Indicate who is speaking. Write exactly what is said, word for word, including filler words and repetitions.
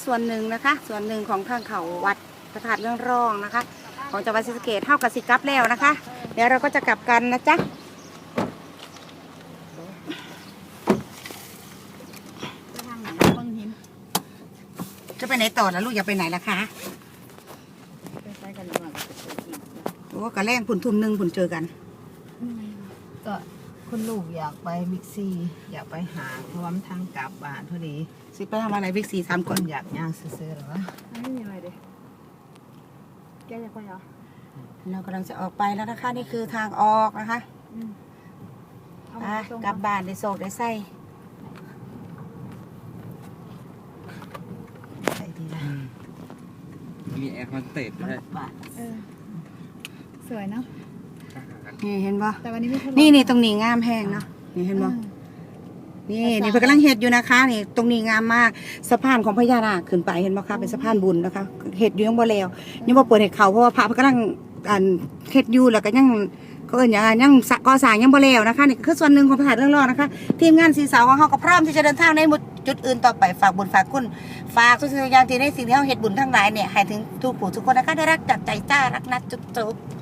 Speaker 1: ส่วนหนึ่งนะคะส่วนหนึ่งของทางเขาวัดพระธาตุเรื่องร่องนะคะของจังหวัดศรีสะเกษเท่ากับสิกลับแล้วนะคะ เดี๋ยวเราก็จะกลับกันนะจ๊ะจะไปไหนต่อแล้วลูกอย่าไปไหนล่ะคะโอ้กระแรงผุนทุ่มหนึ่งผุนเจอกัน
Speaker 2: ก็คุณลูกอยากไปบิ๊กซีอยากไปหาเพราะว่ามันทางกลับบ้านพอดี
Speaker 1: สิไปทำอะไรบิ๊กซีสาม
Speaker 2: ค
Speaker 1: คน
Speaker 2: นอยากย่างซื้อๆหรอวะ
Speaker 3: ไม่มีอะไรเด็กแกอยากไปเหรอ
Speaker 1: เรากำลังจะออกไปแล้วนะคะนี่คือทางออกนะคะอ่ะกลับบ้านได้โศกได้ไส้
Speaker 2: ใส่ดีนะ
Speaker 4: มีแอร์คอนเซ็ปต์ด้วย
Speaker 3: สวยเนาะ
Speaker 1: นี่เห็นปะ
Speaker 3: แต่วันนี้ไม่ทะเล
Speaker 1: นี่นี่ตรงนี้งามแห้งเนาะนี่เห็นปะนี่นี่เพิ่งกำลังเห็ดอยู่นะคะนี่ตรงนี้งามมากสะพานของพญานาคขึ้นไปเห็นปะคะเป็นสะพานบุญนะคะเห็ดอยู่ยังบ่แล้วยังบ่เปิดเห็ดเขาเพราะว่าพระเพิ่งกำลังอ่านเห็ดอยู่แล้วก็ยังก็เอิญอย่างยังก่อสร้างยังบ่แล้วนะคะนี่คือส่วนหนึ่งของพระธาตุเรื่องรอดนะคะทีมงานสีเสาของเขาก็พร้อมที่จะเดินทางในจุดอื่นต่อไปฝากบุญฝากคุณฝากทุกสิ่งอย่างที่ในสิ่งที่เขาเห็ดบุญทั้งหลายเนี่ยให้ถึงทุกผู้ทุกคนนะคะได้รักจากใจจ้ารักนัดจุ๊บ